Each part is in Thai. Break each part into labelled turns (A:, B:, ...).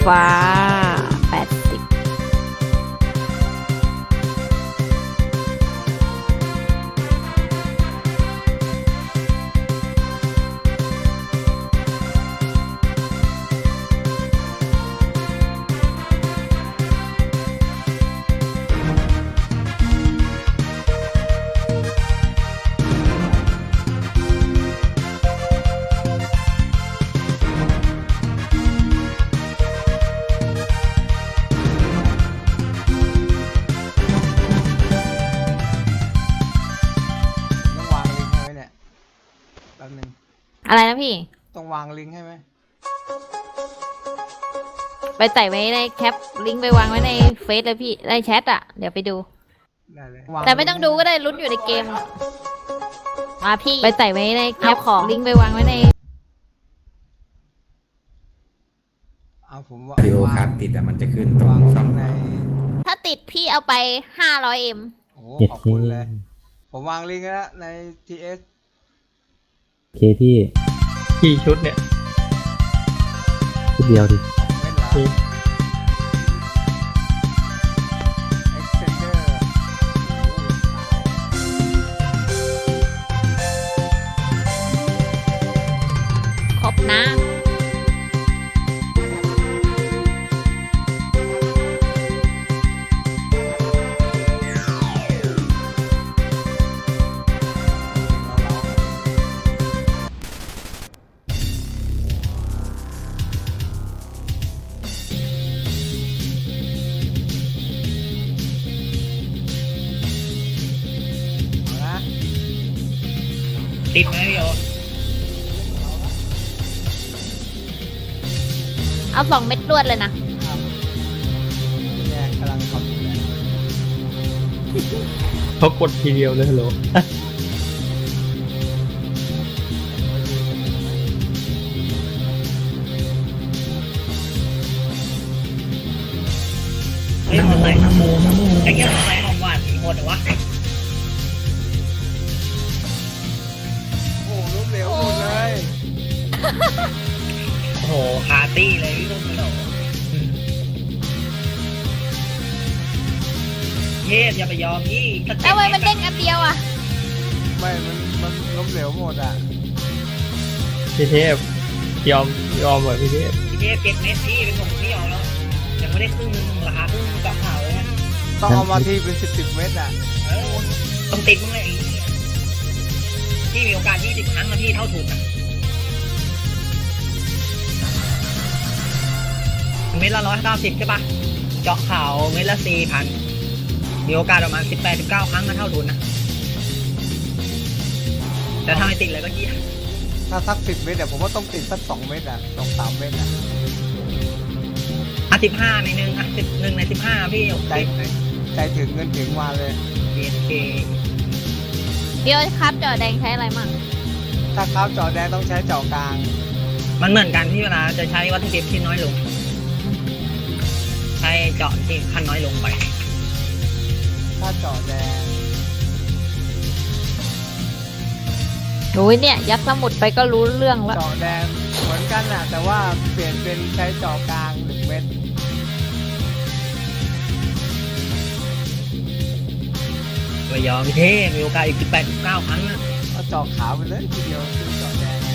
A: ฟ้า80
B: ต้องวางลิงก์ให้ไหมเนี่ยแป๊บนึง
A: อะไรนะพี่
B: ต้องวางลิงก์ให้ไหม
A: ไปใส่ไว้ในแคปลิงก์ไปวางไว้ในเฟซเลยพี่ในแชทอ่ะ เดี๋ยวไปดู
B: ได้เลย
A: แต่ไม่ต้องดูก็ได้ลุ้นอยู่ในเกมมาพี่ไปใส่ไว้ในแคปของลิงก์ไปวางไว้ใน
B: เอาผมว่า
C: วิดีโอครับติดแต่มันจะขึ้นตร
B: วาง
C: งช่อง
B: ใน
A: ถ้าติดพี่เอาไป 500M
B: โอ้โหขอบคุณเลย ผมวางลิงก์แล้วใน TS
D: โอเคพี่
E: กี่ชุดเนี่ย
D: ชุดเดียวดิ
B: ไม่ละ Extender
A: ครบนะ
B: เอานะ
E: ติดไหมพี่โอ
A: เอา2 เม็ดรวดเลยนะ
B: เนี่ยกำลังทำอยู่เลย
E: เขากดทีเดียวเลยฮัลโหลเฮ้ยมาใส่น้ำโมไอ้เงี้ยมาใส่ของหวานสีโหดเหรอวะ
B: โอ้โหล้มเหลวหมดเลย
E: โอ้โหคาตี้เลยพี่ลูกเหลวเย็บอย่าไปยอมพี่ถ้า
A: แล้วทำไมมันเด้งอันเดียวอ่ะ
B: ไม่มันล้มเหลวหมดอ่ะ
E: พี่เทพยอมเหรอพี่เทพพี่เทพ7 เม็ดพี่เป็นผมพี่ยอมแล้วยังไม่ได้ครึ่งนึงราคาครึ่งกับข่าวเลยนะ
B: ต้องเอามาทีเป็น10เม็ดอ่ะ
E: เออต้องติดมึงเลยไอ้พี่มีโอกาส20 ครั้งนะพี่เท่าถูกนะเม็ดละ190ใช่ปะเจาะข่าวเม็ดละ 4,000 มีโอกาสประมาณ18-19 ครั้งก็เท่าทุนนะแต่ถ้าไม่ติดเลยก็เยี่ยม
B: ถ้าสัก10เม็ดเดี๋ยวผมว่าต้องติดสัก2เม็ดอ่ะ2-3เม็ดอ่ะ
E: 15ในหนึ่ง1ใน 15พี่
B: ใจใจถึงเงินถึงมาเลย
E: BNK
A: พี่โอ๊ตครับจอแดงใช้อะไรมั่ง
B: ถ้าข้าวจอแดงต้องใช้เจาะกลาง
E: มันเหมือนกันที่เวลาจะใช้วัตถุดิบที่น้อยลง ใช้เจาะที่ขั้นน้อยลงไป
B: ถ้าเจาะแดง
A: โอ้ยเนี่ย ยัดสมุดไปก็รู้เรื่องแล้ว
B: เจาะแดงเหมือนกันอ่ะ แต่ว่าเปลี่ยนเป็นใช้เจาะกลาง1เม็ด
E: ไม่ยอมพี่เทพมีโอกาสอีก18-19 ครั้งนะ
B: เอาเจาะขาวไปเลยทีเดียวคือเจาะแดง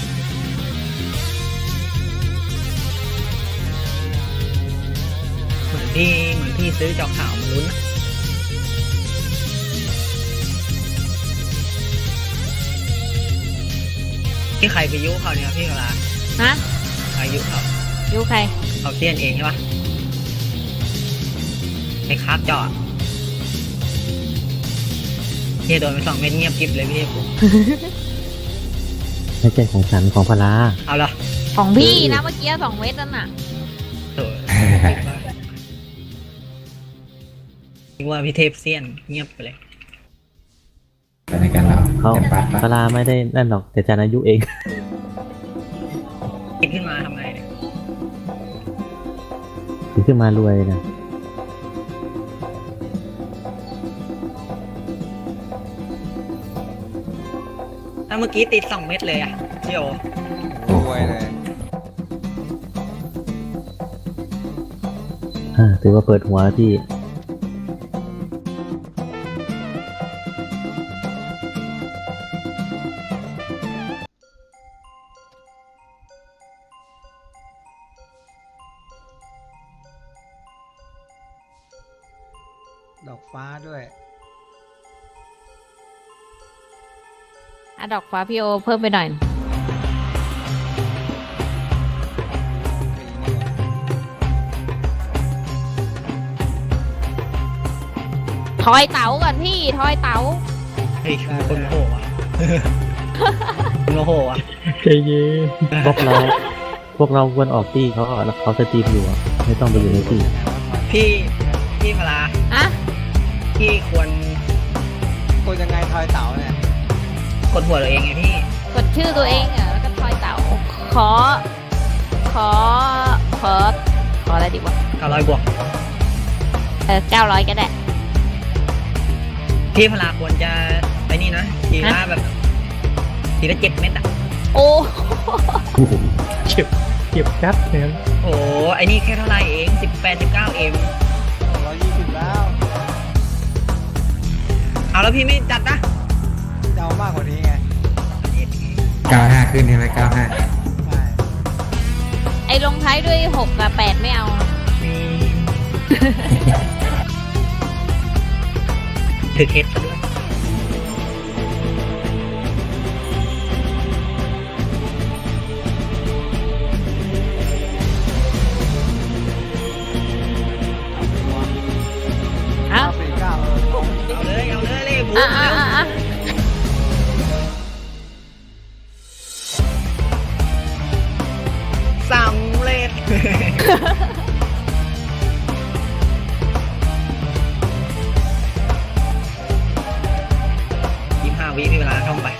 E: เหมือนพี่ซื้อเจาะข่าวมาลุ้นนะที่ใครไปยุเขาเนี่ยพี่กะลา
A: ฮะ
E: ใครยุเขา
A: ยูใคร
E: เขาเซียนเองใช่ปะไอ้คราบเจาะเฮียโดนไป2 เม็ดเงียบกริบเลยพี่เทพ
D: ไม่ใช่ของฉันของพลา
E: เอาละ
A: ของพี่นะเมื่อกี้2 เม็ดนั่นน่ะ
E: โถ่คิดว่าพี่เทพเซียนเงียบไปเลย
C: แต่ในการเรา
D: เขา
C: แต่ปัด
D: พลาไม่ได้นั่นหรอกแต่จันอายุเอง
E: ติดขึ้นมาทำไงเนี่ย
D: ถึงขึ้นมารวยนะ
E: ถ้าเมื่อกี้ติด2 เม็ดเลยอะพี่โอ
B: รวยเลย
D: ถือว่าเปิดหัวแล้วพี่
B: ดอกฟ้าด้วย
A: ดอกฟ้าพี่โอเพิ่มไปหน่อย ทอยเต๋าก่อนพี่ ทอยเต๋า
E: เฮ้ยคนโหว่ะคนโหว่ะ
D: ใจเย็นพวกเราควรออกตี้เขาแล้วเขาสตรีมอยู่อะไม่ต้องไปอยู่ในตี้
E: พี่พลา
A: อะ
E: พี่ควร
B: คนยังไงทอยเต๋าเนี่ย
E: กดหัวตัวเองไงพี่
A: กดชื่อตัวเองอ่ะแล้วก็ทอยเต๋า ขออะไรดีวะ
E: 900 บวก
A: 900ก็ได้
E: พี่พลาควรจะไอ้นี่นะทีละแบบทีละ7 เม็ดอ่ะ
A: โอ้
D: เก็บกัดเนี่ย
E: โอ้ไอ้นี่แค่เท่าไหร่เอง18-19 เอ็ม
B: 220แล้ว
E: เอาแล้วพี่ไม่จัดนะ
B: จะเอามากกว่านี้ไง
C: 95 ขึ้นใช่ไหม95
B: ใช่
A: ไอลงท้ายด้วย6กับ8ไม่เอา
E: ถือเคสซะด้วย
A: เอ้า
B: 49
E: เอาเลยบู
A: อ่ะ
E: สำเร็จ 25 วิมีเวลาท่องไป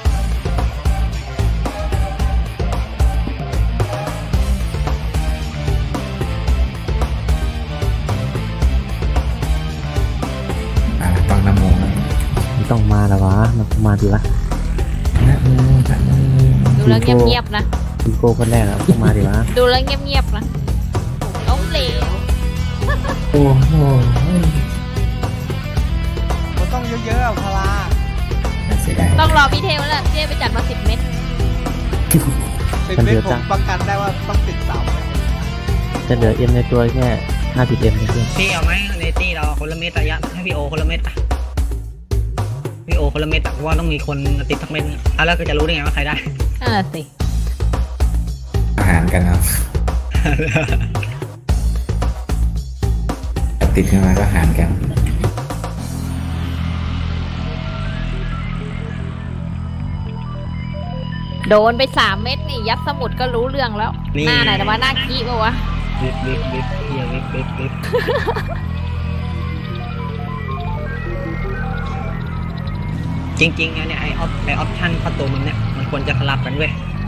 C: ต้องนโม
D: มันต้องมาแล้ววะมันต้องมาดีวะ
C: นะโมนะโม
A: ดูแล้วเงียบๆนะ
D: อีโก้คนแรกอะมันต้องมาดีวะ
A: ดูแล้วเงียบๆนะล้มเหลว
C: โอ้โห
B: มันต้องเยอะๆอะพลา
C: น่าเสียดาย
A: ต้องรอพี่เทวแล้วพี่เทวไปจัดมา10 เม็ด
B: ติดเม็ดผมประกันได้ว่าต้องติดเสาไว้
D: จะเหลือเอ็มในตัวแค่50เอ็มเพื่อน
E: พี่เอาไหมในตี้เราคนละเม็ดระยะให้พี่โอคนละเม็ดอะพี่โอคนละเม็ดอะเพราะว่าต้องมีคนติดทักเม็ดนึงอ่ะแล้วก็จะรู้ได้ไงว่าใครได้
A: สิ
C: อาหารกันครับติดขึ้นมาก็หารกัน
A: โดนไป3 เม็ดนี่ ยัดสมุดก็รู้เรื่องแล้ว
E: นี่
A: หน้าไหนแต่ว่าหน้าขี้ปะวะ
E: วิบเฮียวิบจริงๆเนี่ยไอออปชั่นประตูมึงเนี่ยมันควรจะสลับกันเว้ย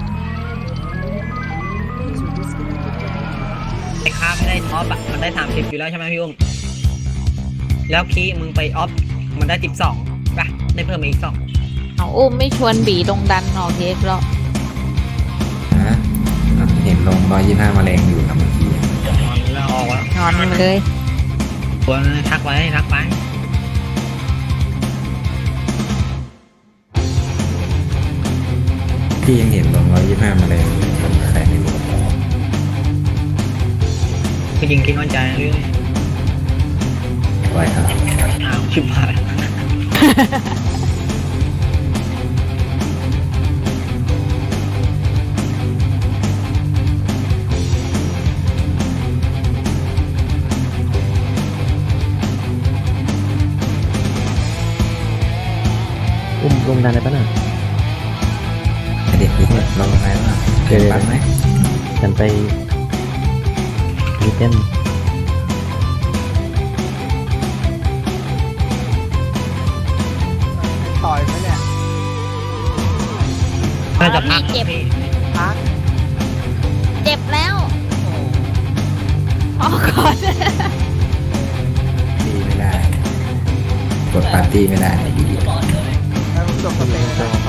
E: ไอค้าไม่ได้ออฟอะมันได้30อยู่แล้วใช่ไหมพี่อุ้มแล้วคีย์มึงไปออฟมันได้12ป่ะได้เพิ่มมาอีก2
A: เอาอุ้มไม่ชวนบีลงดันออกเทคหรอก
C: ฮะเห็นลง125 แมลงอยู่นะเมื่อกี้
E: แล้วออกแล้ว
A: นอนมันเลย
E: ควรทักไว้ทักไป
C: พี่ยังเห็นลง125 แมลงอยู่ใครไม่รู้
E: คือยิงคิดนอนใจเรื่อง
C: ไว้ครับ
E: อ้าวชิบหาย
D: ลงดันอะไรปะน่ะ
C: เด็กนี่ลงอะไรบ้างเกิดปันไหม
D: กันไปมีเต้น
B: ต่อยไหมเนี่ย
E: น่าจะพัก
A: เจ็บ
E: พี่
B: พัก
A: เจ็บแล้ว
B: โอ้
A: ออกก่อน
C: ตีไม่ได้ กดปาร์ตี้ไม่ได้
B: แล้วผมจบสเตจแล้ว